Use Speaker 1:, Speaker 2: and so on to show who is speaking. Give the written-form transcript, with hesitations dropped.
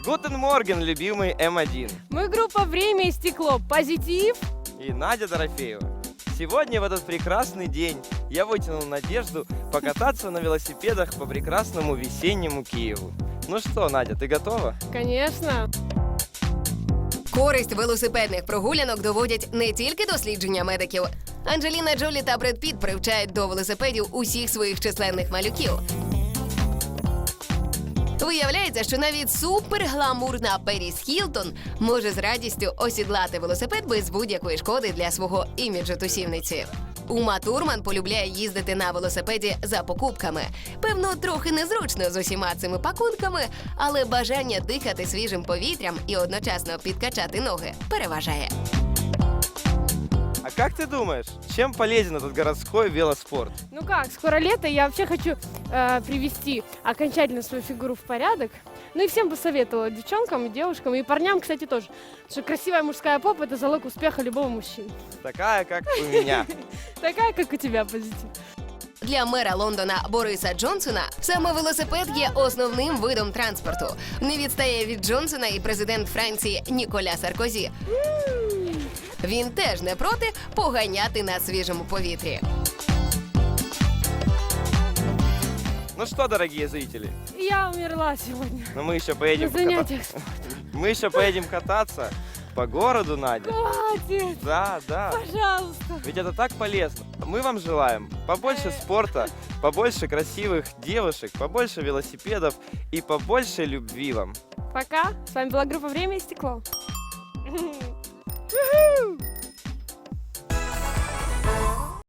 Speaker 1: Гутен Морген, любимый М1.
Speaker 2: Мы группа «Время и стекло». Позитив.
Speaker 1: И Надя Дорофеева. Сегодня, в этот прекрасный день, я вытянул надежду покататься на велосипедах по прекрасному весеннему Киеву. Ну что, Надя, ты готова?
Speaker 2: Конечно.
Speaker 3: Користь велосипедних прогулянок доводять не тільки дослідження медиків. Анджеліна Джолі та Бред Піт привчають до велосипедів усіх своїх численних малюків. Виявляється, що навіть супергламурна Періс Хілтон може з радістю осідлати велосипед без будь-якої шкоди для свого іміджу тусівниці. Ума Турман полюбляє їздити на велосипеді за покупками. Певно, трохи незручно з усіма цими пакунками, але бажання дихати свіжим повітрям і одночасно підкачати ноги переважає.
Speaker 1: А как ты думаешь, чем полезен этот городской велоспорт?
Speaker 2: Ну как, скоро лето, я вообще хочу привести окончательно свою фигуру в порядок. Ну и всем бы советовала, девчонкам, и девушкам, и парням, кстати, тоже. Потому что красивая мужская попа – это залог успеха любого мужчины.
Speaker 1: Такая, как у меня.
Speaker 2: Такая, как у тебя, позитив.
Speaker 3: Для мера Лондона Бориса Джонсона саме велосипед є основним видом транспорту. Не відстає від Джонсона і президент Франції Ніколя Саркозі. Він теж не проти поганяти на свіжому повітрі.
Speaker 1: Ну что, дорогие зрители,
Speaker 2: Я умерла сегодня.
Speaker 1: но мы еще
Speaker 2: На
Speaker 1: поедем
Speaker 2: занятиях.
Speaker 1: Мы еще поедем кататься по городу, Надя.
Speaker 2: Хватит,
Speaker 1: Да, да.
Speaker 2: пожалуйста.
Speaker 1: Ведь это так полезно. Мы вам желаем побольше спорта, побольше красивых девушек, побольше велосипедов и побольше любви вам.
Speaker 2: Пока. С вами была группа «Время и стекло». Уху!